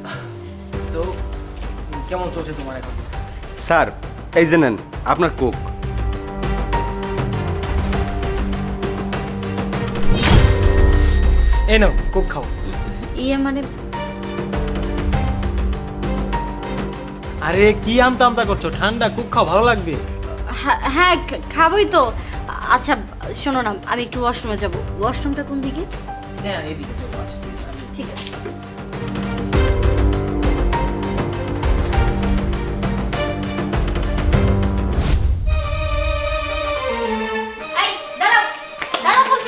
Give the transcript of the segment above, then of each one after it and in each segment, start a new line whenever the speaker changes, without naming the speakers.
তো কেমন চলছে তোমার এখন?
স্যার এই যে নেন আপনার কোক।
এই নাও কোক খাও।
ইয়ে মানে
আরে কি আমতা আমতা করছো? ঠান্ডা কোক খাও, ভালো লাগবে।
হ্যাঁ খাবোই তো। আচ্ছা শোনো না, আমি একটু ওয়াশরুমে যাব। ওয়াশরুমটা কোন দিকে?
হ্যাঁ এইদিকে চলো। আচ্ছা ঠিক আছে।
ঠিক আছে। এই, দাঁড়াও, দাঁড়াও বলছি।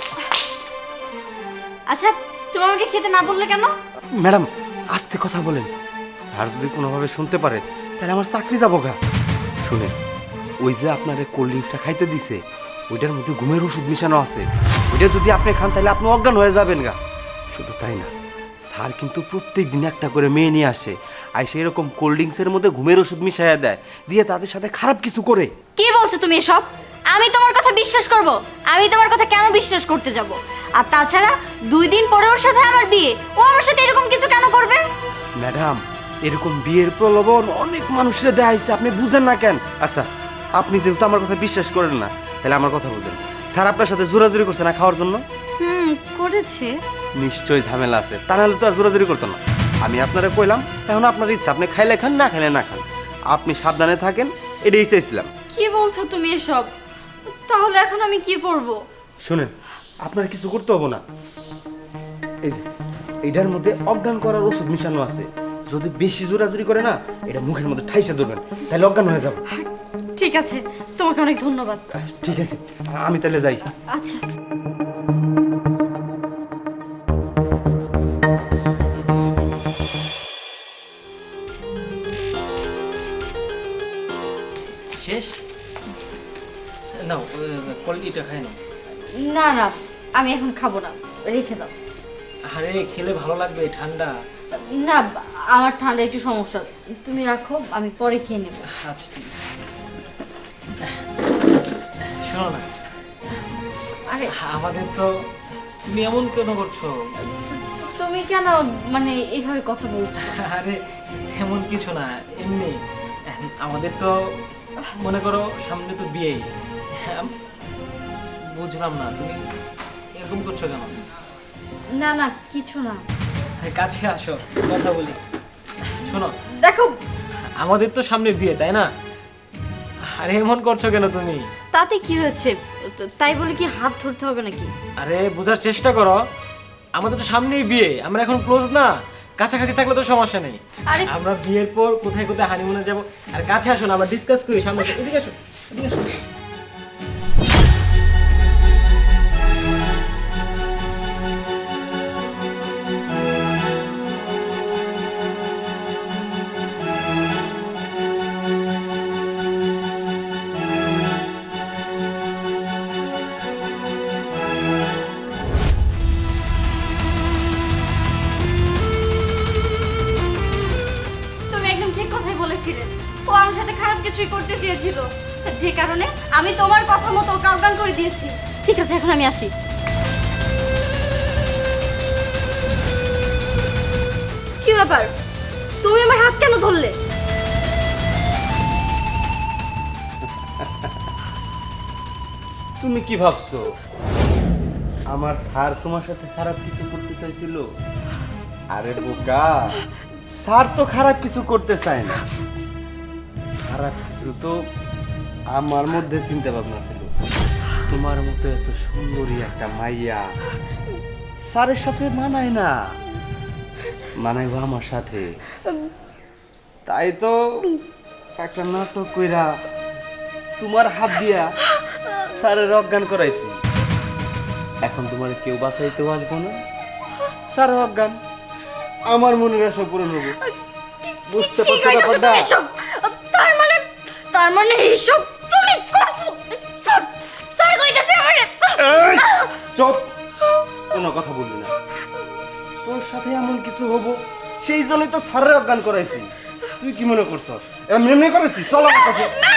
আচ্ছা তুমি আমাকে খেতে না বললে কেন?
ম্যাডাম আস্তে কথা বলেন, স্যার যদি কোনোভাবে শুনতে পারে তাহলে আমার চাকরি যাবো গা। শুনেন, ওই যে আপনার কোল্ড ড্রিঙ্কসটা খাইতে দিছে ওইটার মধ্যে ঘুমের ওষুধ মিশানো আছে। ওইটা যদি আপনি খান তাহলে আপনি অজ্ঞান হয়ে যাবেন গা। শুধু তাই না, স্যার কিন্তু প্রত্যেক দিন একটা করে মেয়ে নিয়ে আসে, আর সেই রকম কোল্ড ড্রিঙ্কসের মধ্যে ঘুমের ওষুধ মিশাইয়া দেয়, দিয়ে তাদের সাথে খারাপ কিছু করে।
কি বলছো তুমি এসব? আমি তোমার কথা বিশ্বাস করব? আমি তোমার কথা কেন বিশ্বাস করতে যাব? আর তাছাড়া 2 দিন পরে ওর সাথে আমার বিয়ে, ও আমার সাথে এরকম কিছু কেন করবে?
ম্যাডাম এরকম বিয়ের প্রলোভন অনেক মানুষের দেয়া হয়েছে, আপনি বুঝেন না কেন? আচ্ছা আপনি যেহেতু আমার কথা বিশ্বাস করেন না তাহলে আমার কথা বুঝেন, স্যার আপনার সাথে জোরাজুরি করছে না খাওয়ার জন্য?
করেছে।
নিশ্চয়ই ঝামেলা আছে, তা নাহলে তো আর জোরাজুরি করতো না। আমি আপনারা কইলাম, এখন আপনার ইচ্ছা, আপনি খাইলে খান, না খাইলে না খান, আপনি সাবধানে থাকেন, এটাই চাইছিলাম।
কি বলছো তুমি এসব? তাহলে এখন আমি কি করব?
শুনেন, আপনার কিছু করতে হবে না। এই যে এটার মধ্যে অজ্ঞান করার ওষুধ মিশানো আছে, যদি বেশি জোরাজুরি করে না এটা মুখের মধ্যে ঠাইসে ধরবেন, তাহলে অজ্ঞান হয়ে যাবে।
ঠিক আছে, তোমাকে অনেক ধন্যবাদ।
ঠিক আছে, আমি তাহলে যাই।
আচ্ছা।
শেষ? নাও কোয়ালিটিটা খাই নাও।
না না, আমি এখন খাবো না, রেখে দাও।
আরে খেলে ভালো লাগবে, ঠান্ডা।
না, আমার ঠান্ডা একটু সমস্যা, তুমি রাখো, আমি পরে খেয়ে নেব।
আচ্ছা ঠিক আছে। শোনো না,
আরে
আমাদের তো, তুমি এমন কেন করছো?
তুমি কেন মানে এইভাবে কথা বলছো?
আরে তেমন কিছু না, এমনি। আমাদের তো মনে করো সামনে তো বিয়েই। বুঝলাম না তুমি এরকম করছো কেন?
না না, কিছু না।
কাছে আসো, কথা বলি। শোনো,
দেখো,
আমাদের তো সামনে বিয়ে, তাই না? আরে এমন করছো কেন তুমি?
তাতে কি হয়েছে? তাই বলে কি হাত ধরতে হবে নাকি?
আরে বোঝার চেষ্টা করো, আমাদের তো সামনেই বিয়ে, আমরা এখন ক্লোজ না, কাছাকাছি থাকলে তো সমস্যা নেই।
আরে
আমরা বিয়ের পর কোথায় কোথায় হানিমুনে যাব, আর কাছে আসো না, আমরা ডিসকাস করি সামনে। এদিকে আসো, এদিকে আসো।
তুমি একদম ঠিক কথাই বলেছিলে। ও আমার সাথে খারাপ কিছুই করতে চেয়েছিল, যে কারণে আমি তোমার কথা মতো ওকে অজ্ঞান করে দিয়েছি। ঠিক আছে, এখন আমি আসি। কি ব্যাপার, তুমি আমার হাত কেন ধরলে?
তুমি কি ভাবছো আমার স্যার তোমার সাথে খারাপ কিছু করতে চাইছিল? আরে বোকা, স্যার তো খারাপ কিছু করতে চায় না, খারাপ কিছু তো আমার মধ্যে চিন্তা ভাবনা ছিল। তোমার মতো এত সুন্দরী একটা মাইয়া স্যারের সাথে মানায় না, মানাইবো আমার সাথে। তাই তো একটা নাটক কইরা তোমার হাত দিয়া স্যারের অজ্ঞান করাইছি। এখন তোমার কেউ বাঁচাইতেও আসবো না, স্যার অজ্ঞান, আমার মনের আশা পূরণ হবো। বুঝতে পারছো ব্যাপারটা?
তার মানে এইসব তুমি করছো? স্যার, স্যার কইতাছে আমারে।
চুপ, কোনো কথা বলবি না। তোর সাথে এমন কিছু হবো সেই জন্যই তো স্যারের অজ্ঞান করাইছি। তুই কি মনে করছস এমনি এমনি করেছিস? চল আমার কাছে।
না